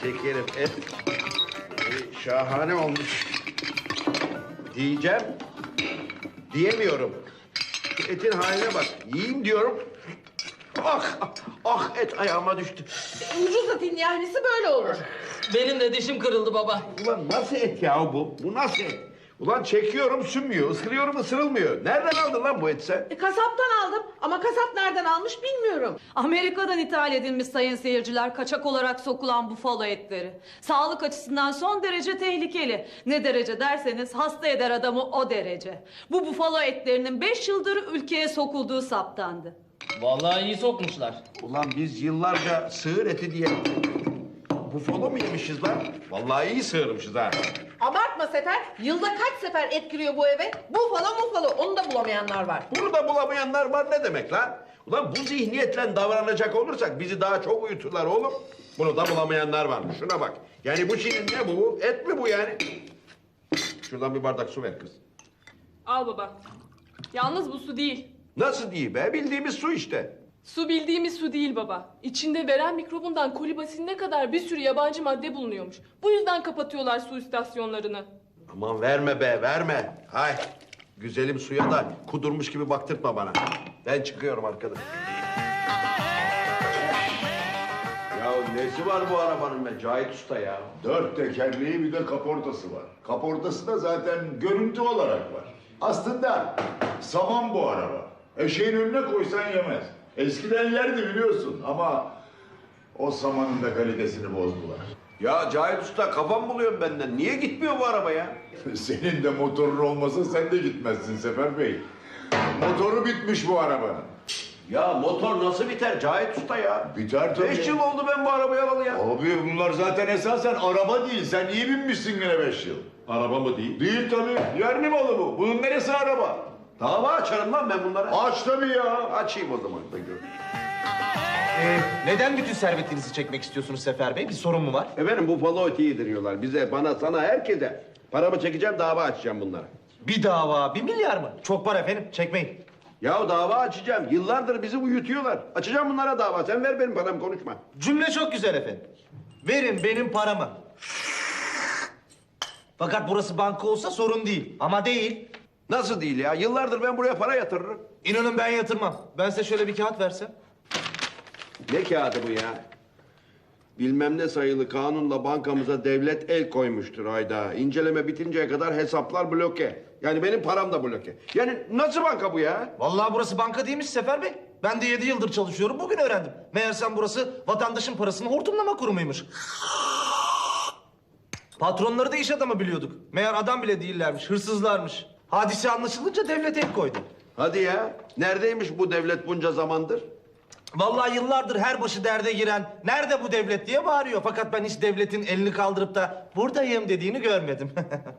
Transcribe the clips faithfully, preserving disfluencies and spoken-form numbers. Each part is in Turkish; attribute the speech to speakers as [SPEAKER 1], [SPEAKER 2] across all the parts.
[SPEAKER 1] şekerim. Et e, şahane olmuş. Diyeceğim, diyemiyorum. Şu etin haline bak. Yiyeyim diyorum. Ah, ah, ah et ayağıma düştü.
[SPEAKER 2] Ucuz etin yahnisi böyle olur.
[SPEAKER 3] Benim de dişim kırıldı baba.
[SPEAKER 1] Ulan nasıl et ya bu? Bu nasıl et? Ulan çekiyorum sünmüyor, ısırıyorum ısırılmıyor. Nereden aldın lan bu eti sen?
[SPEAKER 2] E, kasaptan aldım ama kasap nereden almış bilmiyorum.
[SPEAKER 4] Amerika'dan ithal edilmiş sayın seyirciler, kaçak olarak sokulan bufalo etleri. Sağlık açısından son derece tehlikeli. Ne derece derseniz hasta eder adamı o derece. Bu bufalo etlerinin beş yıldır ülkeye sokulduğu saptandı.
[SPEAKER 3] Vallahi iyi sokmuşlar.
[SPEAKER 1] Ulan biz yıllarca sığır eti diye bufalo mu yemişiz lan? Vallahi iyi sığırmışız ha.
[SPEAKER 2] Abartma Sefer. Yılda kaç sefer et giriyor bu eve? Bufalo mufalo onu da bulamayanlar var.
[SPEAKER 1] Bunu da bulamayanlar var ne demek lan? Ulan bu zihniyetle davranacak olursak bizi daha çok uyuturlar oğlum. Bunu da bulamayanlar var. Şuna bak. Yani bu şeyin ne bu? Et mi bu yani? Şuradan bir bardak su ver kız.
[SPEAKER 5] Al baba. Yalnız bu su değil.
[SPEAKER 1] Nasıl değil be? Bildiğimiz su işte.
[SPEAKER 5] Su bildiğimiz su değil baba. İçinde veren mikrobundan kolibasinine kadar bir sürü yabancı madde bulunuyormuş. Bu yüzden kapatıyorlar su istasyonlarını.
[SPEAKER 1] Aman verme be, verme. Hay. Güzelim suya da kudurmuş gibi baktırtma bana. Ben çıkıyorum arkadaş. Ya nesi var bu arabanın be Cahit Usta ya?
[SPEAKER 6] Dört tekerleği bir de kaportası var. Kaportası da zaten görüntü olarak var. Aslında saman bu araba. Eşeğin önüne koysan yemez. Eskiden yerdi biliyorsun ama o samanın da kalitesini bozdular.
[SPEAKER 1] Ya Cahit Usta kafam buluyorum benden. Niye gitmiyor bu araba ya?
[SPEAKER 6] Senin de motorun olmasa sen de gitmezsin Sefer Bey. Motoru bitmiş bu arabanın.
[SPEAKER 1] Ya motor nasıl biter Cahit Usta ya?
[SPEAKER 6] Biter tabii.
[SPEAKER 1] Beş yıl oldu ben bu arabayı alalı ya.
[SPEAKER 6] Abi bunlar zaten esasen araba değil. Sen iyi binmişsin yine beş yıl.
[SPEAKER 1] Araba mı değil?
[SPEAKER 6] Değil tabii. Yerli malı bu. Bunun neresi araba?
[SPEAKER 1] Dava açarım lan ben bunlara.
[SPEAKER 6] Aç tabii ya.
[SPEAKER 1] Açayım o zaman da gör.
[SPEAKER 7] Ee, neden bütün servetinizi çekmek istiyorsunuz Sefer Bey? Bir sorun mu var?
[SPEAKER 1] Efendim bu falo eti yediriyorlar bize, bana, sana, herkese. Paramı çekeceğim, dava açacağım bunlara.
[SPEAKER 7] Bir dava, bir milyar mı? Çok var efendim, çekmeyin.
[SPEAKER 1] Ya dava açacağım. Yıllardır bizi uyutuyorlar. Açacağım bunlara dava. Sen ver benim paramı, konuşma.
[SPEAKER 7] Cümle çok güzel efendim. Verin benim paramı. Fakat burası banka olsa sorun değil. Ama değil.
[SPEAKER 1] Nasıl değil ya? Yıllardır ben buraya para yatırırım.
[SPEAKER 7] İnanın ben yatırmam. Ben size şöyle bir kağıt versem.
[SPEAKER 1] Ne kağıdı bu ya? Bilmem ne sayılı kanunla bankamıza devlet el koymuştur hayda. İnceleme bitinceye kadar hesaplar bloke. Yani benim param da bloke. Yani nasıl banka bu ya?
[SPEAKER 7] Vallahi burası banka değilmiş Sefer Bey. Ben de yedi yıldır çalışıyorum, bugün öğrendim. Meğersem burası vatandaşın parasını hortumlama kurumuymuş. Patronları da iş adamı biliyorduk. Meğer adam bile değillermiş, hırsızlarmış. Hadise anlaşılınca devlet el koydu.
[SPEAKER 1] Hadi ya. Neredeymiş bu devlet bunca zamandır?
[SPEAKER 7] Vallahi yıllardır her başı derde giren nerede bu devlet diye bağırıyor. Fakat ben hiç devletin elini kaldırıp da buradayım dediğini görmedim.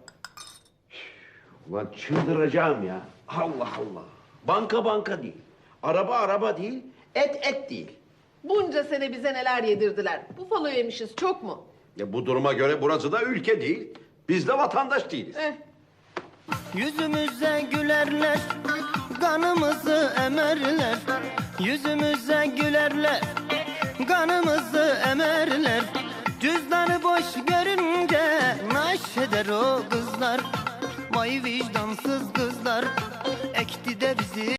[SPEAKER 1] Ulan çıldıracağım ya. Allah Allah. Banka banka değil. Araba araba değil. Et et değil.
[SPEAKER 2] Bunca sene bize neler yedirdiler. Bufalo yemişiz çok mu?
[SPEAKER 1] Ya bu duruma göre burası da ülke değil. Biz de vatandaş değiliz.
[SPEAKER 2] Eh.
[SPEAKER 8] Yüzümüze gülerler, kanımızı emerler. Yüzümüze gülerler, kanımızı emerler. Cüzdanı boş görünce naş eder o kızlar. Vay vicdansız kızlar, ekti de bizi.